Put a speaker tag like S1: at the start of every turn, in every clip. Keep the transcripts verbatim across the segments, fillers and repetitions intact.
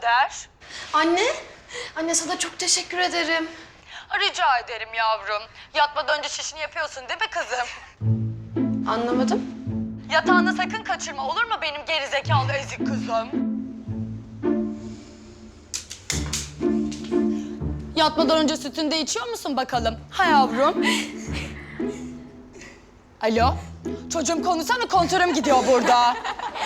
S1: Kader.
S2: Anne, anne sana çok teşekkür ederim.
S1: Rica ederim yavrum. Yatmadan önce şişini yapıyorsun değil mi kızım?
S2: Anlamadım.
S1: Yatağında sakın kaçırma olur mu benim gerizekalı ezik kızım? Yatmadan önce sütünü de içiyor musun bakalım? Ha yavrum? Alo? Çocuğum konuşsana, kontörüm gidiyor burada.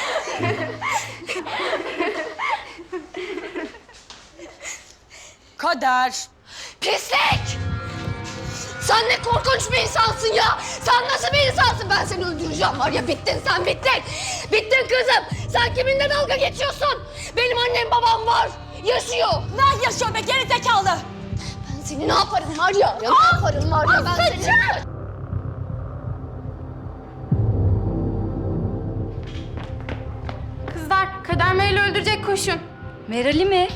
S1: Kader.
S2: Pislik! Sen ne korkunç bir insansın ya! Sen nasıl bir insansın? Ben seni öldüreceğim var ya, bittin sen, bittin! Bittin kızım! Sen kiminle dalga geçiyorsun? Benim annem babam var, yaşıyor!
S1: Ne yaşıyor be gerizekalı?
S2: Ben seni ne yaparım var ya, ya ne yaparım var ya ben seni...
S3: Kızlar, Kader Meral'i öldürecek, koşun.
S4: Meral'i mi?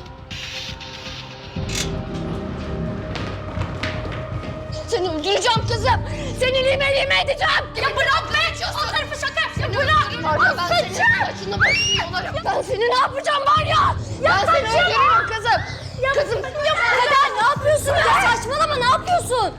S2: Seni öldüreceğim kızım! Seni lime lime edeceğim! Ya bırak be! O tarafı şaka! Seni bırak! Var ya ben senin saçını başını yolarım! Ben seni ne yapacağım var ya! Ben seni öldürürüm kızım! Kızım!
S4: Kader ne yapıyorsun ya? Saçmalama, ne yapıyorsun?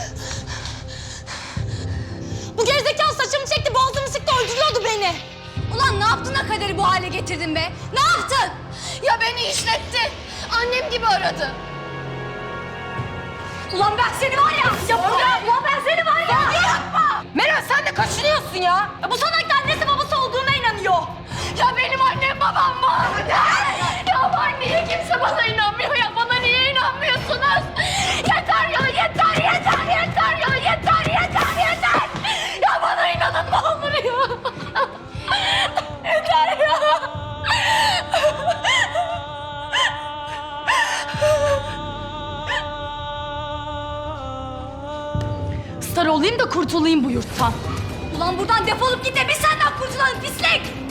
S1: Bu gerizekalı saçımı çekti, boğazımı sıktı, öldürüyordu beni.
S4: Ulan ne yaptın da Kader'i bu hale getirdin be? Ne yaptın?
S2: Ya beni işletti! Annem gibi aradı!
S4: Ulan ben seni var ya! Ya bırak! Ulan ben seni var ya!
S1: Yapma! Meral sen de kaçınıyorsun ya. ya bu salak da annesi babası olduğuna inanıyor.
S2: Ya benim annem babam var! Ya var, niye kimse bana inanmıyor ya? Bana niye inanmıyorsunuz? Yeter ya, yeter, yeter, yeter ya! Yeter, yeter, yeter! Ya bana inanın ne olur ya! Yeter ya!
S1: Star olayım da kurtulayım bu yurttan.
S4: Ulan buradan defolup git de biz senden kurtulalım pislik!